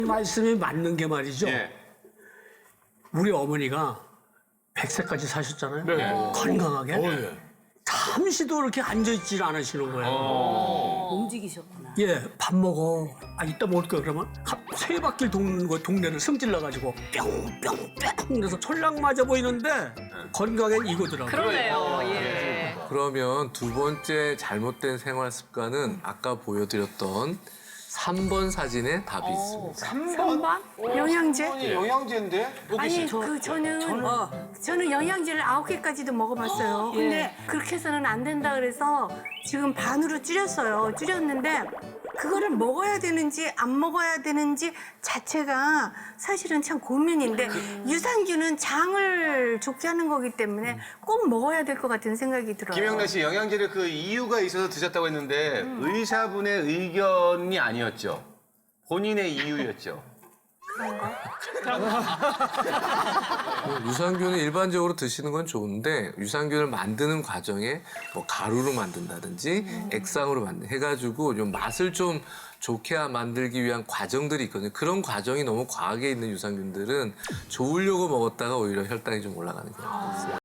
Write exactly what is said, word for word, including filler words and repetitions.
말씀이 맞는 게 말이죠. 예. 우리 어머니가 백 세까지 사셨잖아요. 네. 건강하게. 어, 예. 잠시도 그렇게 앉아있질 않으시는 거예요. 움직이셨구나. 예, 밥 먹어. 아, 이따 먹을 거야. 그러면 한 세 바퀴 도는 거 동네를 승질나가지고 뿅뿅뿅 그래서 촐랑 맞아 보이는데 건강엔 이거더라고요. 그러네요. 예. 그러면 두 번째 잘못된 생활 습관은 아까 보여드렸던 삼 번 사진에 답이 있습니다. 삼 번? 영양제? 영양제인데? 아니 그 저는 저는 영양제를 아홉 개까지도 먹어봤어요. 근데 그렇게 해서는 안 된다 그래서 지금 반으로 줄였어요. 줄였는데 그거를 먹어야 되는지 안 먹어야 되는지 자체가 사실은 참 고민인데 유산균은 장을 좋게 하는 거기 때문에 꼭 먹어야 될 것 같은 생각이 들어요. 김영란 씨, 영양제를 그 이유가 있어서 드셨다고 했는데 의사분의 의견이 아니었죠? 본인의 이유였죠? 유산균을 일반적으로 드시는 건 좋은데 유산균을 만드는 과정에 뭐 가루로 만든다든지 액상으로 만든 해가지고 좀 맛을 좀 좋게 만들기 위한 과정들이 있거든요. 그런 과정이 너무 과하게 있는 유산균들은 좋으려고 먹었다가 오히려 혈당이 좀 올라가는 경우가 있어요.